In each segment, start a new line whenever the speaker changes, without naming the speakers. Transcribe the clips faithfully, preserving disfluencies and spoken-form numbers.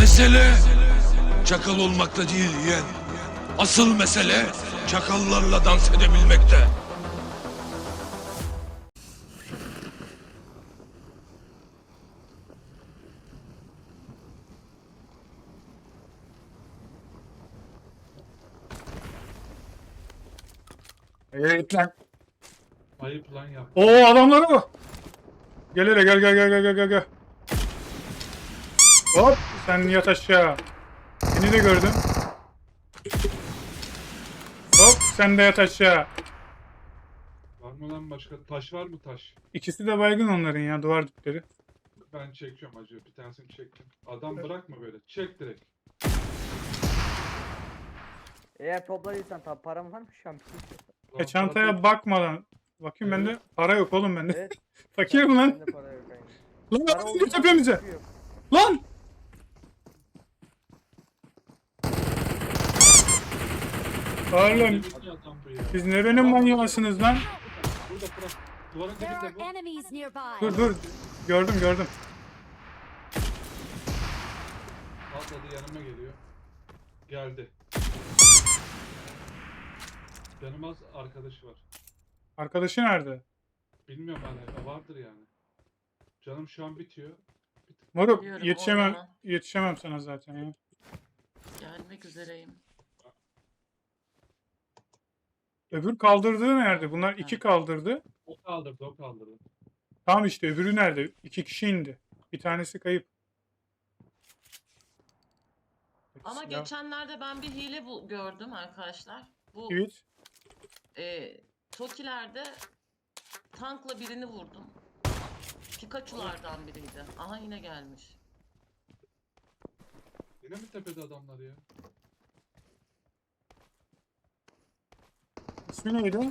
Mesele çakal olmakta değil yeğen. Asıl mesele çakallarla dans edebilmekte.
Evet lan.
Ayıp lan yap.
Oo adamları mı? Gel hele gel gel gel gel gel gel gel. Hop sen yat aşağı. Seni de gördüm. Hop sen de yat aşağı.
Var mı lan başka? Taş var mı taş?
İkisi de baygın onların ya duvar dipleri.
Ben çekiyorum acı. Bir tanesini çektim. Adam bırakma böyle. Çek direkt.
Eğer topladıysan tabi param var mı şu an?
E
Lan
çantaya
zaten-
bakmadan. Bakayım bende para yok oğlum bende.
Evet.
Fakirim lan.
Bende para yok aynı.
Lan
Para
adam
olduğu
gir tepemize.
için yok.
Lan. Oğlum
Deli adam bu ya.
siz nerenin manyağısınız lan?
Burada bırak. Duvarın
There are
dibinde bu.
enemies nearby.
Dur dur. Gördüm gördüm.
Atladı yanıma geliyor. Geldi. Canım az arkadaşı var.
Arkadaşı nerede?
Bilmiyorum hani vardır yani. Canım şu an bitiyor.
Moruk
Biliyorum,
yetişemem
oynama.
yetişemem sana zaten ya.
Gelmek üzereyim.
Öbür kaldırdığı nerede? Bunlar iki
Evet.
kaldırdı.
O kaldırdı o kaldırdı.
Tamam işte öbürü nerede? İki kişi indi. Bir tanesi kayıp.
Ama
Silah.
geçenlerde ben bir hile bu gördüm arkadaşlar. Bu
Evet.
e, Toki'lerde tankla birini vurdum. Pikachu'lardan biriydi. Aha yine gelmiş.
Yine mi tepede adamlar ya?
İsmi neydi?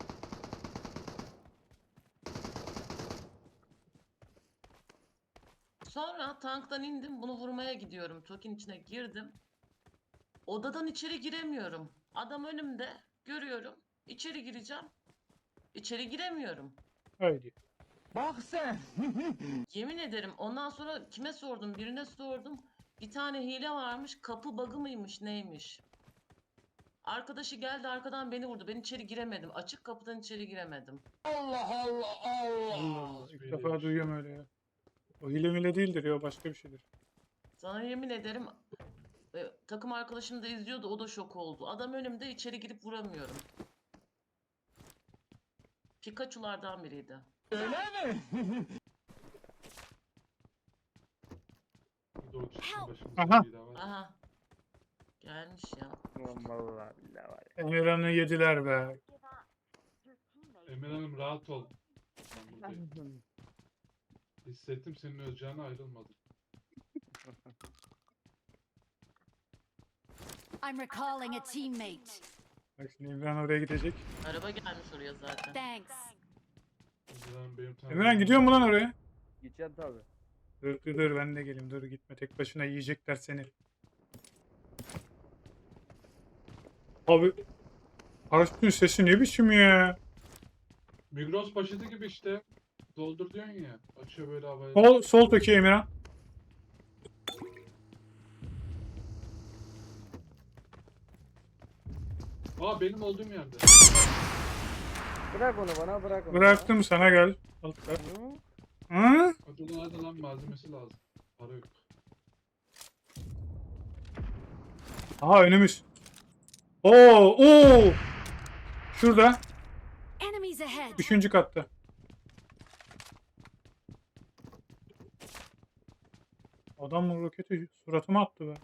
Sonra tanktan indim. Bunu vurmaya gidiyorum. Toki'nin içine girdim. Odadan içeri giremiyorum. Adam önümde. Görüyorum. İçeri gireceğim. İçeri giremiyorum.
Haydi.
Yemin ederim ondan sonra kime sordum? Birine sordum. Bir tane hile varmış. Kapı bug'ı mıymış neymiş? Arkadaşı geldi arkadan beni vurdu. Ben içeri giremedim. Açık kapıdan içeri giremedim.
Allah Allah. İlk
Hiçbir
defa
hileymiş.
duyuyorum öyle ya. O hile mile değildir ya o başka bir şeydir.
Sana yemin ederim e, takım arkadaşım da izliyordu. O da şok oldu. Adam önümde içeri girip vuramıyorum. Pikachu'lardan biriydi.
Doğru çıksın
Help!
başımıza
Aha.
bir daha var.
Aha. Gelmiş ya.
Ulan vallahi billahi var ya.
Emirhan'ı yediler be.
Emel Hanım rahat ol. Ben buradayım. Hissettim senin öleceğine ayrılmadım.
I'm recalling a teammate.
Bak şimdi Emirhan oraya gidecek.
Araba gelmiş oraya zaten.
Thanks.
Emel Hanım benim tanıdığım-
Emirhan gidiyor mu lan oraya?
Gideceğim tabi.
Dur dur dur ben de geleyim dur gitme tek başına yiyecekler seni. Abi paraşütün sesi ne biçim ya?
Migros poşeti gibi işte. Doldur diyorsun ya. Açıyor böyle havaya.
Sol, sol tökü Emirhan.
Aa benim olduğum yerde.
Bırak onu bana bırak onu.
Bıraktım sana gel. Al ver.
Bana.
Hı?
Hadi lan hadi lan malzemesi lazım. Para yok.
Aha önümüz. Oo oo. Şurada.
Enemies ahead.
Üçüncü katta. Adam roketi suratıma attı be.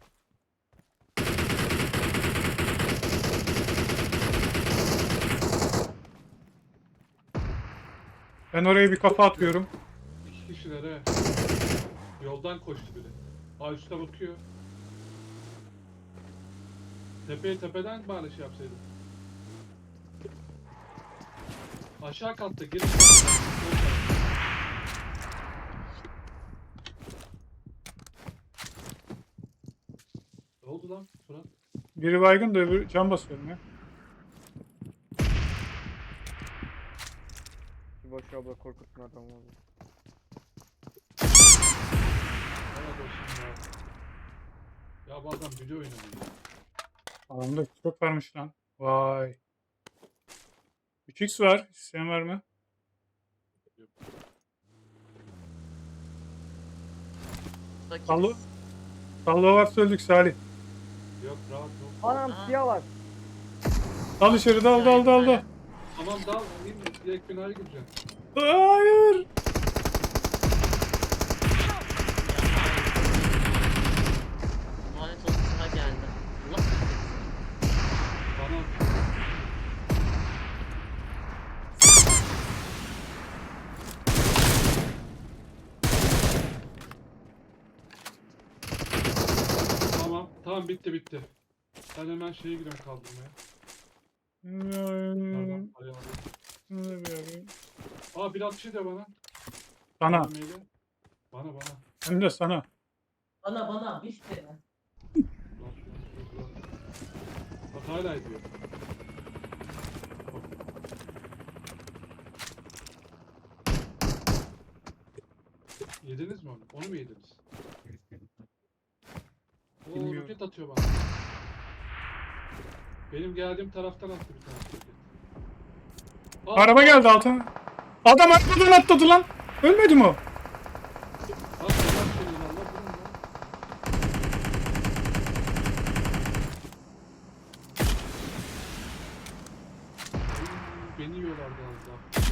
Ben oraya bir kafa atıyorum.
İki kişiler he. Yoldan koştu biri. Aa üstte bakıyor. Tepeye tepeden bari şey yapsaydım. Aşağı katta geri. Ne oldu lan Fırat?
Biri baygın da öbürü can basıyorum ya.
Şu boş abla korkutma adamı oğlum.
Helal olsun ya. Ya bu adam video oynamıyor.
Adamda çok varmış lan. Vay. üç x var. İsteyen var mı?
Fakiriz.
Sallo. Sallo varsa öldük Salih.
Yok rahat yok.
Anam
Aa.
siyah var.
Dal içeri dal dal dal dal.
Tamam dal alayım mı? Direkt binaya gireceğim.
Hayır.
Lanet olsun sana geldi. Allah kahretsin.
Bana Tamam, tamam bitti bitti. Ben hemen şeye gidiyorum kaldırmaya. Pardon, ayağım. Aa bir atış ediyor bana.
Sana.
Bana maili. Bana bana.
Hem de sana.
Bana bana bir şey.
Lan, lan, lan, lan. Bak hala ediyor. Yediniz mi onu? Onu mu yediniz? Oo
Bilmiyorum.
roket atıyor bana. Benim geldiğim taraftan attı bir tane roket. Aa,
Araba geldi altına. Adam arabadan atladı lan. Ölmedi mi o?
Aa, selam söyleyin Allah vurun lan. Ay, beni yiyorlardı az daha.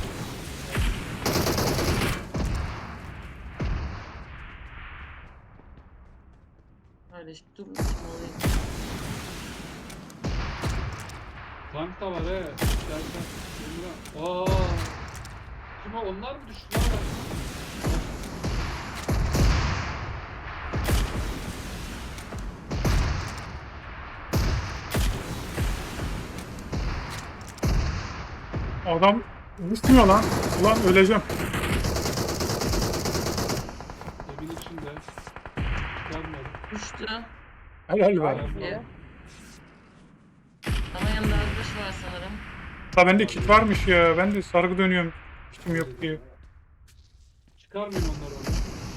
Öyle işte dur bakayım olayım.
Tank da var he. İstersen. Emrah. Aa. Kim o? Onlar mı düştü lan?
Adam düşmüyor lan. Ulan öleceğim.
Evin içinde. Çıkarmıyorum.
Düştü.
Helal be.
Aynen.
Evet. Ama yanında arkadaş var sanırım.
Ha bende kit varmış ya. Ben de sargı dönüyorum. Kitim yok diye.
Çıkarmayın onları onu.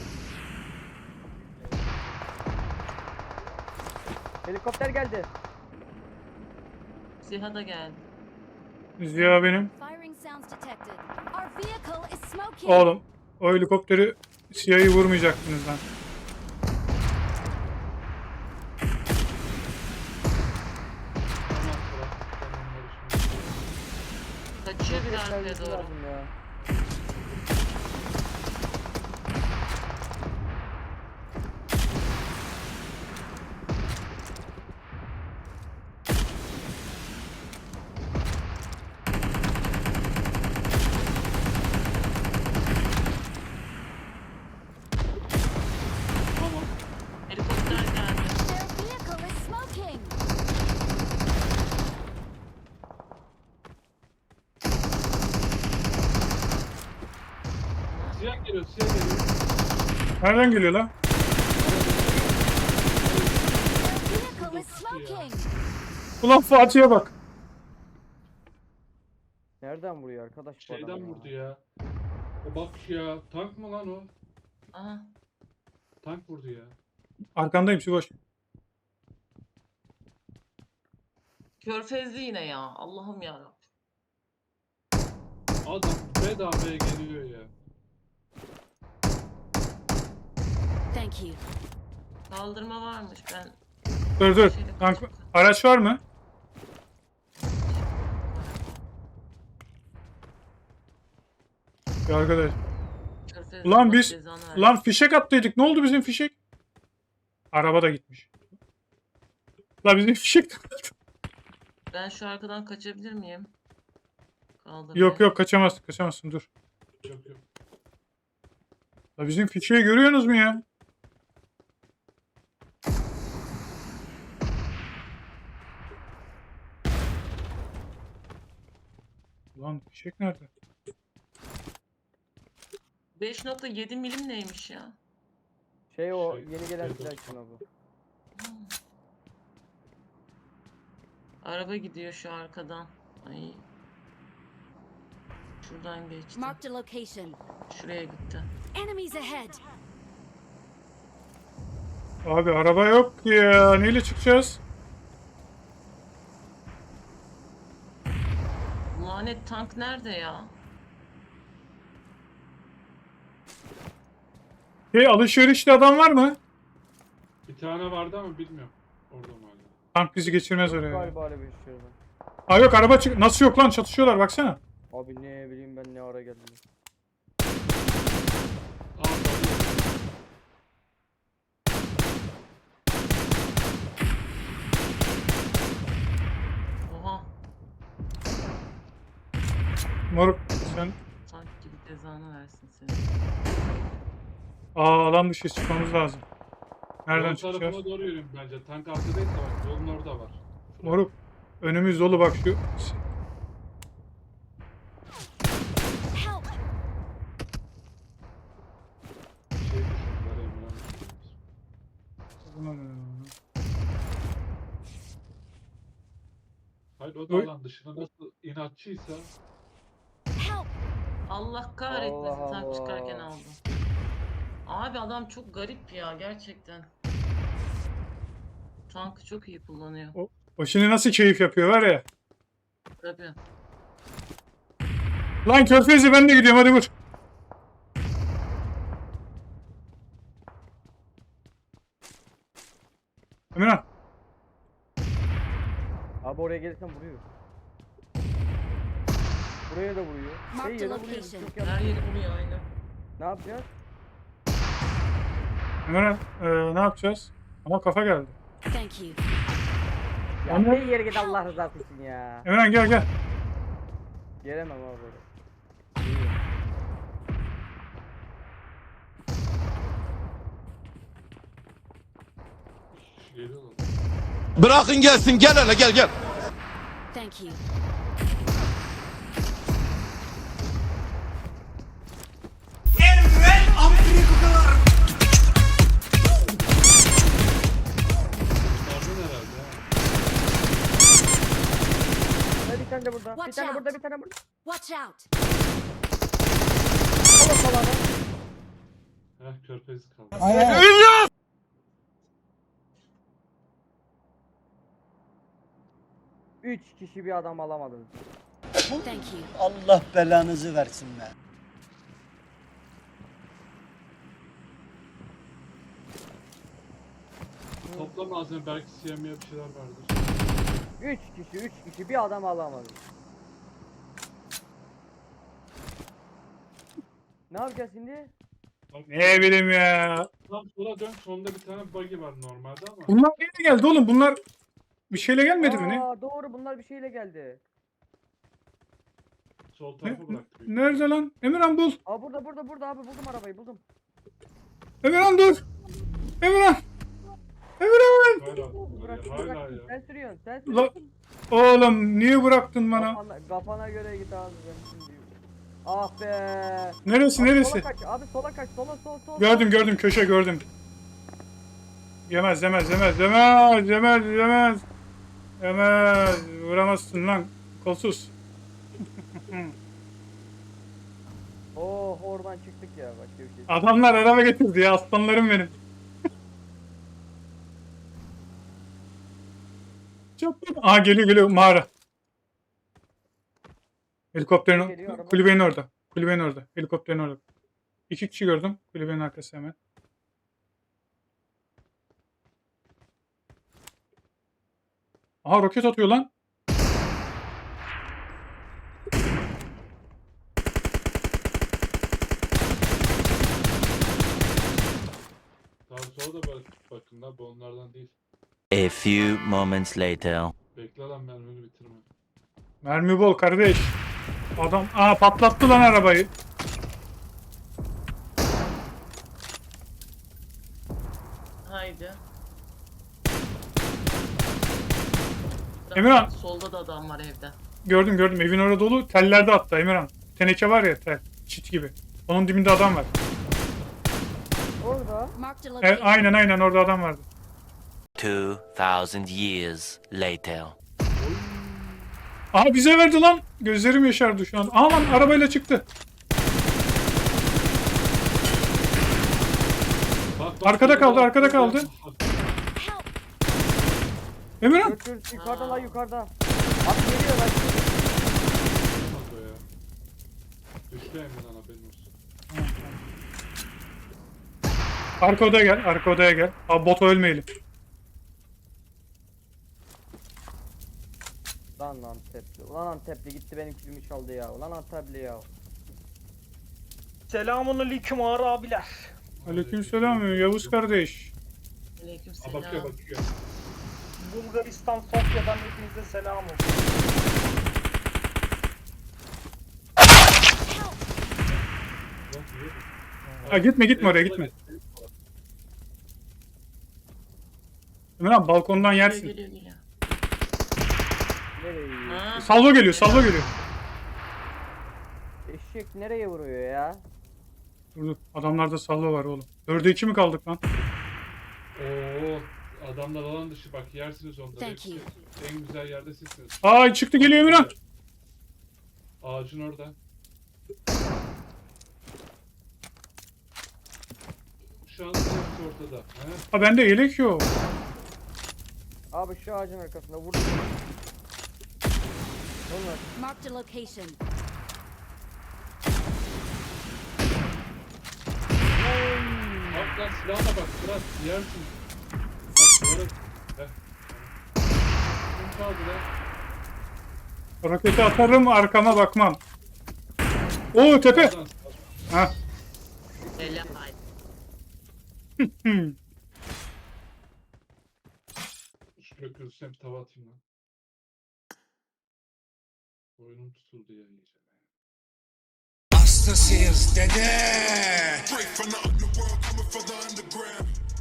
Helikopter geldi.
Ziha da geldi.
Ziya benim.
Firing sounds detected. Our vehicle is smoking.
Oğlum. O helikopteri Siyah'ı vurmayacaktınız lan.
Tamam bırak. Ben onları şimdi.
Kaçıyor bir
Roket
arkaya
servisi
doğru.
lazım ya.
Tamam.
Helikopter geldi.
Their vehicle is smoking.
Siyah geliyor, siyah geliyor.
Nereden geliyor lan?
Their vehicle is smoking.
Ulan Fatih'e bak.
Nereden vuruyor arkadaş bu
Şeyden
adam ya?
vurdu ya. O bak ya. Tank mı lan o?
Aha.
Tank vurdu ya.
Arkandayım Siboş.
Körfezli yine ya. Allah'ım yarabbim.
Adam bedavaya geliyor ya.
Thank you.
Kaldırma varmış ben.
Dur dur. Tank, araç var mı? Ya arkadaş.
Körfezli
Ulan
Allah
biz-
cezanı versin.
Lan fişek attıydık. Ne oldu bizim fişek? Araba da gitmiş. La bizim fişek.
Ben şu arkadan kaçabilir miyim? Kaldırma.
Yok yok kaçamazsın kaçamazsın dur.
Yok yok.
La bizim fişeği görüyorsunuz mu ya? Lan fişek nerede?
beş nokta yedi milim neymiş ya?
Şey o
Şey,
yeni gelen
şey
silah
dostum.
için o bu.
Araba gidiyor şu arkadan. Ay. Şuradan geçti.
Marked a location.
Şuraya gitti.
Enemies ahead.
Abi araba yok ki ya. Neyle çıkacağız?
Lanet tank nerede ya?
Hey, alışverişte adam var mı?
Bir tane vardı ama bilmiyorum. Orada mı hala?
Tank bizi geçirmez oraya.
Galiba öyle bir şey var.
Aa yok araba çık. Nasıl yok lan? Çatışıyorlar baksana.
Abi ne bileyim ben ne ara geldim.
Aa tabii.
Oha.
Moruk sen.
Tank gibi cezanı versin seni.
Aa alan dışı çıkmamız lazım. Nereden
Yol
çıkacağız?
tarafına doğru yürüyün bence. Tank arkadaysa bak yolun orada var.
Moruk. Önümüz dolu bak şu.
Help!
Şey düşürdüler Emre'nin. Hayır o da
Oy.
alan dışına nasıl inatçıysa
Help!
Allah kahretmesin
Allah
tank çıkarken
Allah.
aldım. Abi adam çok garip ya gerçekten. Tankı çok iyi kullanıyor.
O şimdi nasıl keyif yapıyor var ya.
Tabii.
Lan Körfez'e ben de gidiyorum hadi vur. Emirhan.
Abi oraya gelirsen vuruyor. Buraya da vuruyor.
Mark
Hey,
the
yere vuruyor.
location.
Çok
Her
yanlış.
yeri vuruyor aynen.
Ne yapacağız?
Emirhan e, ne yapacağız? Ama kafa geldi.
Thank you.
Ya
Ama-
bir yere git Allah rızası için ya.
Emirhan gel gel.
Gelemem abi oraya.
geliyorlar.
Bırakın gelsin gel hele gel gel.
Thank you.
Pardon herhalde ha.
Ha, bir tane de burada. Bir
Watch
tane
out.
burada, bir tane burada.
Watch out!
Sola sola lan.
Heh körfezi kaldı.
Üç kişi bir adam alamadınız.
Thank you.
Allah belanızı versin be.
Topla malzeme belki siyemiye bir şeyler vardır.
Üç kişi, üç kişi bir adam alamadı. Ne yapacağız şimdi?
Bak,
Ne bileyim ya.
tam sola dön sonunda bir tane buggy var normalde ama.
Bunlar neyle geldi oğlum? Bunlar bir şeyle gelmedi mi ne?
Aa, doğru bunlar bir şeyle geldi.
Sol
Ne-
tarafa bıraktı. büyük.
Nerede lan? Emirhan bul.
Aa burada burada burada abi buldum arabayı buldum.
Emirhan dur. Emirhan. Emirhan.
Hala,
Bırak,
hala
bırak.
ya.
Sen sürüyorsun sen
La,
sürüyorsun.
oğlum niye bıraktın bana?
Kafana, kafana göre git abi ben şimdi. Ah be.
Neresi
Abi
neresi?
Sola kaç abi sola kaç sola sol sol.
Gördüm gördüm köşe gördüm. Yemez yemez yemez yemez yemez yemez. Yemez. Vuramazsın lan. Kolsuz.
Oh oradan çıktık ya başka bir şey.
Adamlar araba getirdi ya aslanlarım benim. Çok Aa geliyor geliyor mağara. Helikopterin
Geliyor, araba.
kulübenin orada. Kulübenin orada. Helikopterin orada. İki kişi gördüm. Kulübenin arkası hemen. Aha roket atıyor lan.
Daha sola da bak, bakın da bu onlardan değil.
A few moments later.
Bekle lan mermini bitirme.
Mermi bol kardeş. Adam aa patlattı lan arabayı.
Haydi.
Emirhan.
Solda da adam var evde.
Gördüm gördüm evin orada dolu. Tellerde hatta Emirhan. Teneke var ya tel. Çit gibi. Onun dibinde adam var.
Orada.
Marked a
E,
location.
aynen aynen orada adam vardı.
Two thousand years later.
Aha bize verdi lan. Gözlerim yaşardı şu an. Aha lan arabayla çıktı.
Bak bak
Arkada kaldı, arkada kaldı.
Help!
Emirhan.
Dur dur yukarıda la yukarıda. Abi geliyor lan.
Kanka ya. Düştü Emre'den haberin olsun.
Arka odaya gel, arka odaya gel. Abi bota ölmeyelim.
Lan Antepli. Ulan Antepli gitti benim kilimi çaldı ya. Ulan Antepli ya.
Selamun aleyküm ağır abiler.
Aleykümselam Yavuz kardeş.
Ha
Aleykümselam.
bakıyor bakıyor.
Bulgaristan Sofya'dan hepinize selam olsun.
Lan niye?
Ha, gitme gitme oraya gitme. Emirhan balkondan
Geliyor
yersin.
geliyor geliyor.
Nereye yiyor?
Ha,
Salvo geliyor, salvo geliyor.
Eşek nereye vuruyor ya?
Dur dur, adamlarda salvo var oğlum. Dörde iki mi kaldık lan?
Oo, adamlar alan dışı bak yersiniz onları.
Thank
hepsi.
you.
En güzel yerde sizsiniz.
Ay çıktı geliyor Emirhan.
Ağacın orada. Şu an hepsi ortada. He?
Ha bende yelek yok.
Abi şu ağacın arkasında vurdu. Onlar.
Marked a location.
Bak lan silahla bak Fırat yersin. Bak doğru. Heh. Kim kaldı lan?
Roketi atarım arkama bakmam. Oo tepe.
Sağdan.
Ha.
Helal.
Hmm.
Şuraya kırılsam tava atayım lan. Boynum tutuldu ya iyice.
Hastasıyız dede. Straight from the underworld, coming from the underground.